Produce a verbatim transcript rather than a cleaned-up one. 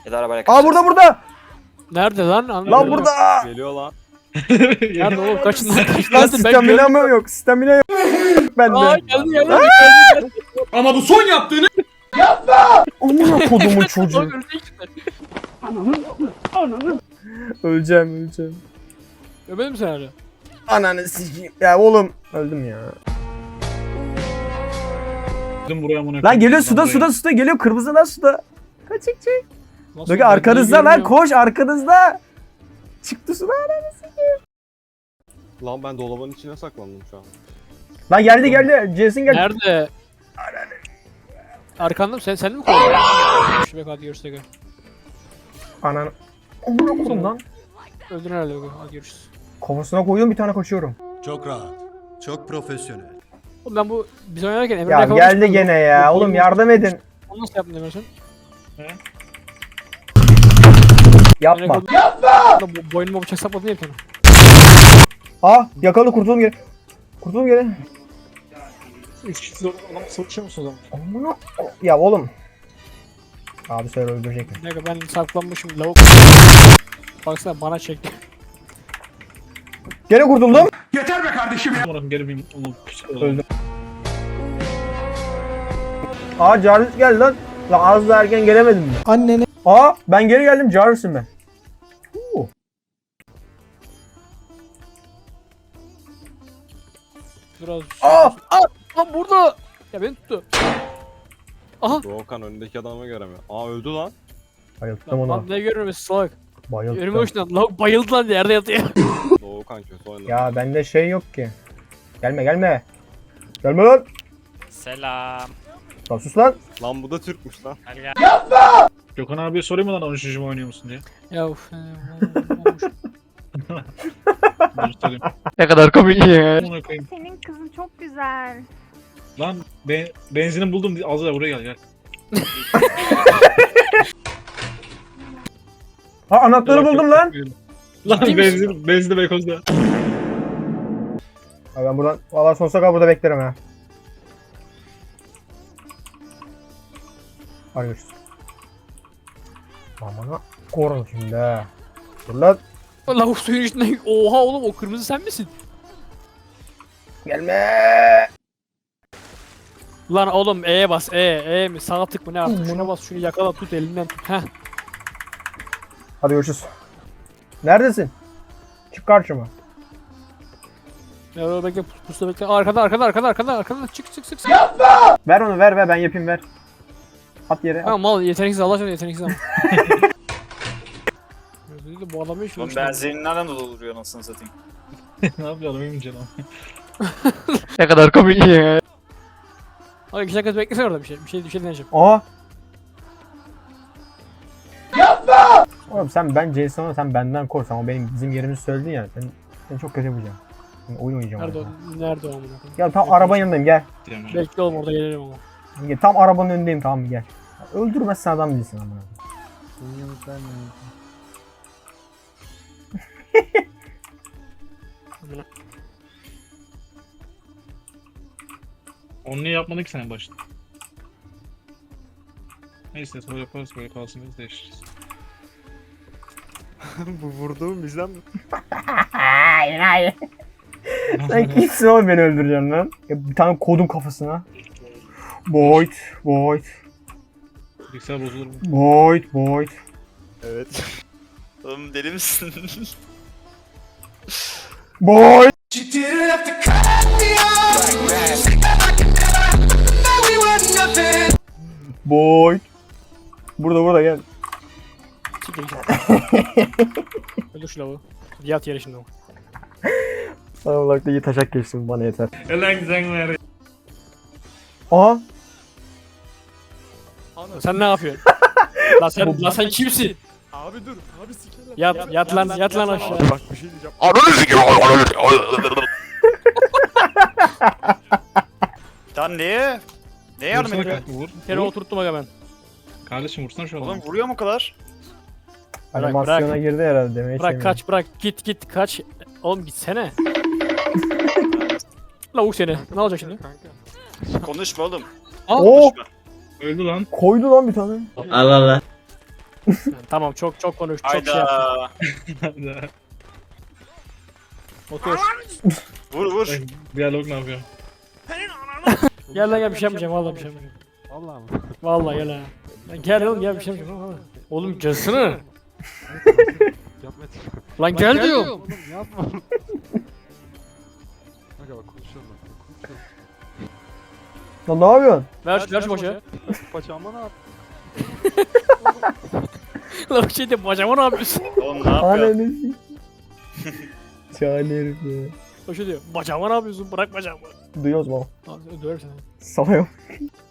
Ya da arabayla Aa kaçacağız. burada burada. Nerede lan? Lan Anlamadım. burada. Geliyor lan. Nerede oğlum? Kaçın lan? Kaçın Lan lan? Ben stamina görmedim. mı yok? Stamina yok. Ben Aa de. geldi geldi. geldi, geldi. Ama bu son yaptığını Amına kodumun çocuğu. Bak, ölecek işte. Öleceğim öleceğim. Öpedin mi sen hala? Ananı sikeyim. Ya oğlum. Öldüm ya. Gittim buraya amına Lan koyayım. geliyor suda Buraya. suda suda geliyor. Kırmızı lan suda. Kaç çık çık. Nasıl? Dökü Ben arkanızda niye lan görmüyorum? koş arkanızda. Çıktı suda. Lan ben dolabın içine saklandım şu an. Lan geldi geldi. Jason geldi. Nerede? Arkanda mı? Sen, sen de mi koydun? Şu be hadi görüşürüz. Ananı. Amına kodum lan. Öldün herhalde. Beko. Hadi görüşürüz. Kafasına koyuyorum bir tane kaçıyorum. Çok rahat. Çok profesyonel. Oğlum ben bu biz oynarken Emre'yle Ya yakalamıştım. geldi gene ya. Bu- Oğlum bu- yardım edin. Onu nasıl yaptın Emre sen? Yapma. Yapma! Bu boynuma bıçak sapladın ya bir tane. Aa yakaladı kurtuldum geri. Kurtuldum geri. Üç kişi zor adam savaşıyor musun o zaman? Amına. Ya oğlum. Abi sen öldürecek mi? Bir dakika ben saklanmışım lavuk. Baksana bana çekti. Gene kurtuldum. Yeter be kardeşim ya. Umarım geri bir onu küçük Öldüm. Aa Jarvis geldi lan. Lan az da erken gelemedim mi? Annene. Aa ben geri geldim Jarvis'im ben. Huu. Biraz. Aa! Aa! Lan burada! Ya beni tuttu. Aha! Doğukan önündeki adamı göremiyor. Aa öldü lan. Bayılttım Lan, onu. lan ne görmemesi salak. Önüme Bayılttım. uçtu. Lavuk bayıldı lan yerde yatıyor. Doğukan kötü oynadı. Ya bende şey yok ki. Gelme gelme. Gelme lan. Selam. Lan sus lan. Lan bu da Türkmüş lan. Gel gel. Gökhan abiye sorayım mı lan on üçüncü mü oynuyor musun diye. Ya uf. Dur sorayım. Ne kadar komik ya. Amına koyayım. Senin kızın çok güzel. Lan be benzinim buldum. Az da buraya gel gel. Ha anahtarı buldum lan. Lan Ciddi misin? benzin benzin Beykoz'da. Ha ben buradan valla sonsuza kadar burada beklerim ha. Hadi görüşürüz. Amına korun şimdi ha. Dur lan. Lavuk suyun içinde. Oha oğlum o kırmızı sen misin? Gelme. Lan oğlum E'ye bas. E, E mi? Sağa tık mı ne artık? Şuna bas şunu yakala tut elinden tut. Heh. Hadi görüşürüz. Neredesin? Çık karşıma. Ya dur bekle pus- pusta bekle. Arkada arkada arkada arkada arkada çık çık çık. çık. Ver onu ver ver ben yapayım ver. At yere. At. Tamam mal yeteneksiz Allah aşkına yeteneksiz ama. Gözünü de bu adamı hiç Oğlum benzerini nereden dolduruyor anasını satayım. Ne yapıyor adamım canım. Ne kadar komik ya. Hadi iki dakika beklesene orada bir şey. Bir şey bir şey deneyeceğim. Aa. Yapma. Oğlum sen ben Jason'a sen benden kork. Ama benim bizim yerimizi söyledin ya. Sen, seni çok kötü yapacağım. Şimdi oyun oynayacağım. Nerede o? orada. Nerede o amına koyayım? Gel tam arabanın yanındayım gel. Diyemem. Bekle oğlum orada gelirim ama. Gel, tam arabanın önündeyim tamam mı gel. Öldürmezsen adam değilsin ama. Onu niye yapmadın ki sen en başta? Neyse sonra yaparız böyle kalsın biz değiştiririz. Bu vurduğum bizden mi? Hayır hayır. Sen kimsin oğlum beni öldüreceksin lan? Ya bir tane kodum kafasına. Void, void, Bilgisayar bozulur mu? void, void. Evet. Oğlum deli misin? Void. Void. Burada burada gel. Siktir git. Öldür şu lavuğu. Yat yere şimdi o. Sana olarak da iyi taşak geçsin bana yeter. Ulan güzel ver. Aha. Sen ne yapıyorsun? lan sen lan sen kimsin? Abi dur. Abi sikerim. Yat yat lan yat lan aşağı. Bak bir şey diyeceğim. Lan neye? Neye yardım Vursana ediyor? kanka vur. Yere Vur. oturttum aga ben. Kardeşim vursana şu adamı. Oğlum vuruyor mu o kadar? Bırak, Animasyona bırak. girdi herhalde demeyi Bırak kaç bırak git git kaç. Oğlum gitsene. Lavuk seni. Ne olacak şimdi? Konuşma oğlum. Aa, Oo Konuşma. Öldü lan. koydu lan bir tane. Allah Allah. Tamam çok çok konuş. Çok şey yap. Hayda. Otur. Vur vur. Diyalog ne yapıyor? Gel lan gel bir şey yapmayacağım vallahi bir şey yapmayacağım. Vallahi mı? Vallahi gel ha. Lan gel oğlum gel bir şey yapmayacağım vallahi. Oğlum gelsene. Yapma. Lan gel diyorum. Oğlum yapma. Kanka bak konuşuyorum bak. Konuşuyorum. Lan ne yapıyorsun? Ver ver şu başı. Paçağıma ne yap? Lan bir şey de bacağıma ne yapıyorsun? Oğlum ne yapıyorsun? Ananı Çağın herif ya. O şey diyor. Bacağıma ne yapıyorsun? Bırak bacağımı. Duyuyoruz mu? Abi döverim seni. Salıyorum.